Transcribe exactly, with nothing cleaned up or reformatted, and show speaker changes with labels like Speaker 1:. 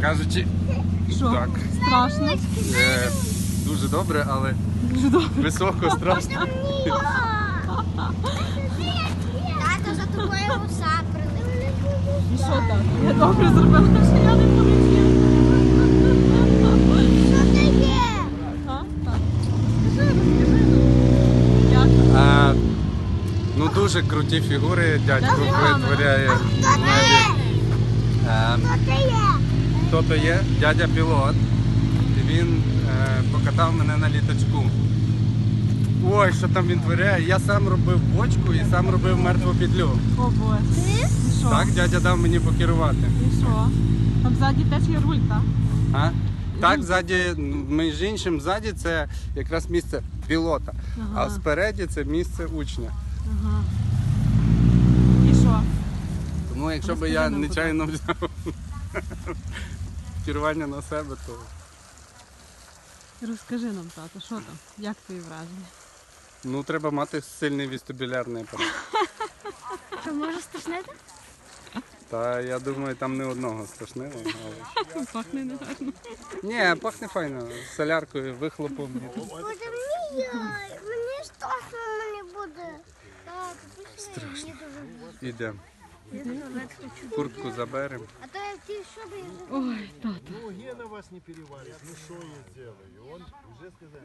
Speaker 1: кажучи,
Speaker 2: Що?
Speaker 1: так.
Speaker 2: Страшно?
Speaker 1: Е, дуже добре, але
Speaker 2: Дуже добре.
Speaker 1: високо, страшно.
Speaker 3: Тато, за тобою уса прилетить.
Speaker 2: І що так? Я добре зробила, що я не полетіла.
Speaker 3: Що це є?
Speaker 2: А? Так. Розкажи, розкажи нам. Як?
Speaker 1: А, ну дуже круті фігури дядько витворяє.
Speaker 3: Хто це є?
Speaker 1: Е,
Speaker 3: Хто це є?
Speaker 1: Хто то є? Дядя пілот. І він е, покатав мене на літачку. Ой, що там він творяє. Я сам робив бочку і сам робив мертву петлю.
Speaker 2: О, Боже. І що?
Speaker 1: Так, дядя дав мені покерувати.
Speaker 2: І що? Там ззаді теж є руль, так?
Speaker 1: А? Так, ззаді, між іншим, ззаді це якраз місце пілота,
Speaker 2: Ага.
Speaker 1: а спереді це місце учня.
Speaker 2: Ага. І що?
Speaker 1: Тому якщо б
Speaker 2: Розкажи
Speaker 1: я
Speaker 2: нам,
Speaker 1: нечайно взяв керування на себе, то
Speaker 2: Розкажи нам, тато, що там? Як твої враження?
Speaker 1: ну, треба мати сильний вестибулярний апарат.
Speaker 3: Що, може стошнити?
Speaker 1: Та я думаю, там не одного страшного. Але...
Speaker 2: Пахне негарно.
Speaker 1: Ні, пахне файно. Соляркою, вихлопом.
Speaker 3: Боже мій, мені страшно мені буде. Так, пішли, я дуже
Speaker 1: Ідемо.
Speaker 3: я туалет хочу.
Speaker 1: Куртку заберемо.
Speaker 3: А то я ті, що би я
Speaker 2: Ой, тато.
Speaker 4: Ну, Гена вас не переварит. Ну, что я сделаю? Он уже сказал.